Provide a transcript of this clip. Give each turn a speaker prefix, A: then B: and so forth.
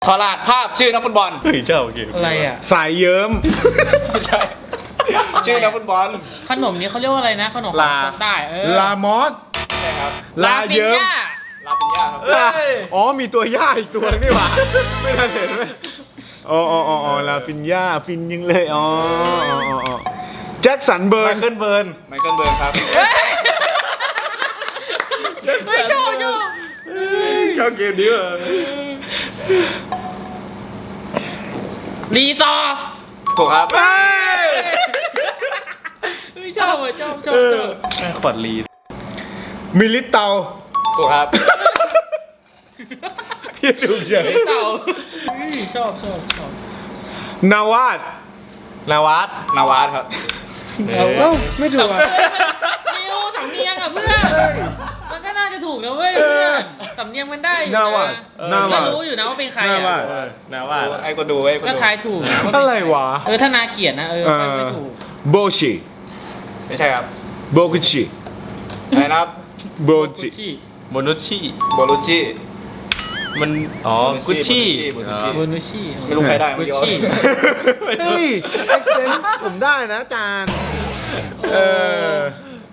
A: ขอรหัสภาพชื่อนักฟุตบอล
B: เฮ้ยเจ้าเก่ง
C: อะไรอ่ะ
D: สายเยิ้ม
A: ไม่ใช่ ชื่อนักฟุตบอล
C: ขนมนี้เขาเรียกว่าอะไรนะขนมของคนใต้
D: ลามอส
A: ใช่ครับ
D: ลาเยิ้ม
A: ลาปิญญาครับ
D: อ๋อมีตัวย่าอีกตัวนึงนี่หว่าไม่ทันเห็นไหมอ๋อลาฟินย่าฟินยังเลยอ๋อแจ็คสันเบิ
B: ไม
D: ร์น
B: เคิลเบิร์น
A: ไมเคิลเบิร์นครับ
C: ไม่ชอบ
B: เข้าเกมนี้เหรอ
C: รีซอร์
A: ถูกครับ
C: ไม่ชอบชอบ
B: แม่ขวัญลี
D: มิลิเตา
A: ถูกครับ
D: ที่ถูกเฉย
C: เต่าชอบ
D: นาวาด
B: นาวัด
A: นาวาสครับ
D: เอ้าไม่ถูกอ่ะ
C: นิวสำเนียงอ่ะเพื่อนมันก็น่าจะถูกนะเว้ยเพื่อนสำเนียงมันได้อยู่
D: นาวา
C: นะ
D: สนาวา
C: ก็
D: ส
C: รู้อยู่นะว่าเป็นใคร
D: นาวา
C: อ่ะ
D: ส
B: นาวัด
A: ไอ้ก็ดูไอ้ก็
C: ก็
A: ดู
C: ทายถูกนะว่าเป็น
D: อะไรวะ
C: ถ้านาเขียนนะไม่ถูก
D: โบชิ
A: ไม่ใช่ครับ
D: โบกุชิ
A: อะไรนะครับ
D: โบจิ
B: โมนุชิ
A: โบลูชิ
B: มันอ๋อกุชชี่
A: โบลูชิ
C: โบนุชิ
A: ไม่รู้ใครได้
C: กุ
A: เมื่อ
C: ช
A: กี้
C: ชี่
D: เฮ้ยเอ็กเซนผมได้นะอาจารย์